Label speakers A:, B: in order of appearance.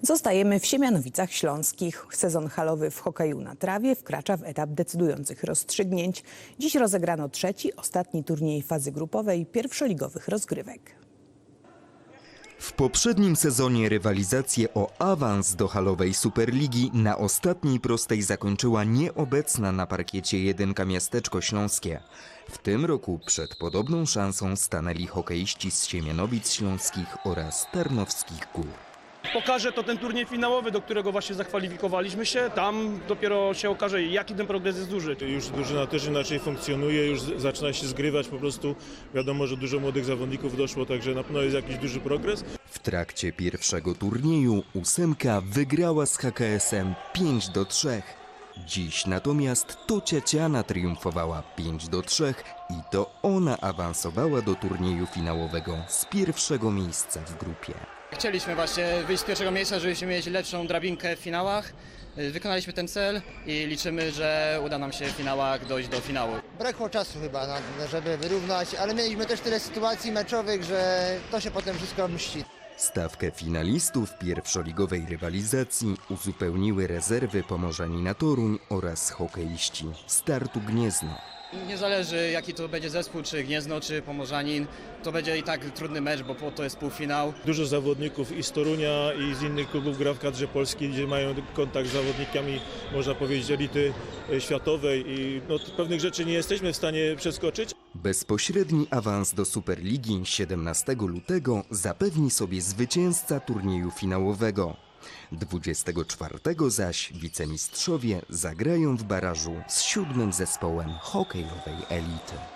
A: Zostajemy w Siemianowicach Śląskich. Sezon halowy w hokeju na trawie wkracza w etap decydujących rozstrzygnięć. Dziś rozegrano trzeci, ostatni turniej fazy grupowej pierwszoligowych rozgrywek.
B: W poprzednim sezonie rywalizację o awans do halowej Superligi na ostatniej prostej zakończyła nieobecna na parkiecie jedynka Miasteczko Śląskie. W tym roku przed podobną szansą stanęli hokeiści z Siemianowic Śląskich oraz Tarnowskich Gór.
C: Pokaże to ten turniej finałowy, do którego właśnie zakwalifikowaliśmy się. Tam dopiero się okaże, jaki ten progres jest duży.
D: Już drużyna też inaczej funkcjonuje, już zaczyna się zgrywać po prostu. Wiadomo, że dużo młodych zawodników doszło, także na pewno jest jakiś duży progres.
B: W trakcie pierwszego turnieju ósemka wygrała z HKS-em 5-3. Dziś natomiast to Ciaciana triumfowała 5-3 i to ona awansowała do turnieju finałowego z pierwszego miejsca w grupie.
E: Chcieliśmy właśnie wyjść z pierwszego miejsca, żebyśmy mieć lepszą drabinkę w finałach. Wykonaliśmy ten cel i liczymy, że uda nam się w finałach dojść do finału.
F: Brakło czasu chyba, żeby wyrównać, ale mieliśmy też tyle sytuacji meczowych, że to się potem wszystko mści.
B: Stawkę finalistów pierwszoligowej rywalizacji uzupełniły rezerwy Pomorzanina Toruń oraz hokeiści Startu Gniezno.
E: Nie zależy jaki to będzie zespół, czy Gniezno, czy Pomorzanin. To będzie i tak trudny mecz, bo to jest półfinał.
D: Dużo zawodników i z Torunia, i z innych klubów gra w kadrze polskiej, gdzie mają kontakt z zawodnikami, można powiedzieć, elity światowej i pewnych rzeczy nie jesteśmy w stanie przeskoczyć.
B: Bezpośredni awans do Superligi 17 lutego zapewni sobie zwycięzca turnieju finałowego. 24 zaś wicemistrzowie zagrają w barażu z 7. zespołem hokejowej elity.